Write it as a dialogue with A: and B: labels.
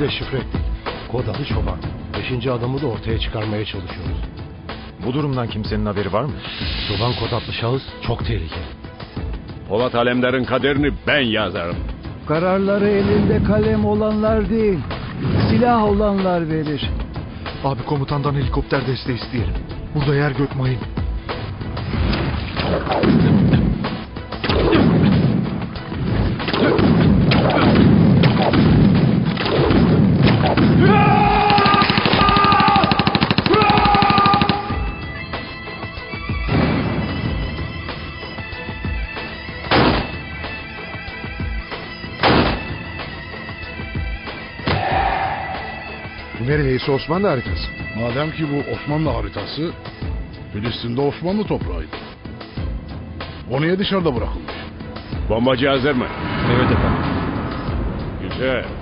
A: deşifre ettik. Kod adı Çoban. 5. adamı da ortaya çıkarmaya çalışıyoruz.
B: Bu durumdan kimsenin haberi var mı?
A: Çoban kod adlı şahıs çok tehlikeli.
C: Polat Alemdar'ın kaderini ben yazarım.
D: Kararları elinde kalem olanlar değil, silah olanlar verir.
E: Abi komutandan helikopter desteği isteyelim. Burada yer gök mayın. Nereyse Osmanlı haritası.
F: Madem ki bu Osmanlı haritası, Filistin'de Osmanlı toprağıydı. O niye dışarıda bırakılmış?
C: Bombacı hazır mı?
B: Evet efendim.
C: Güzel.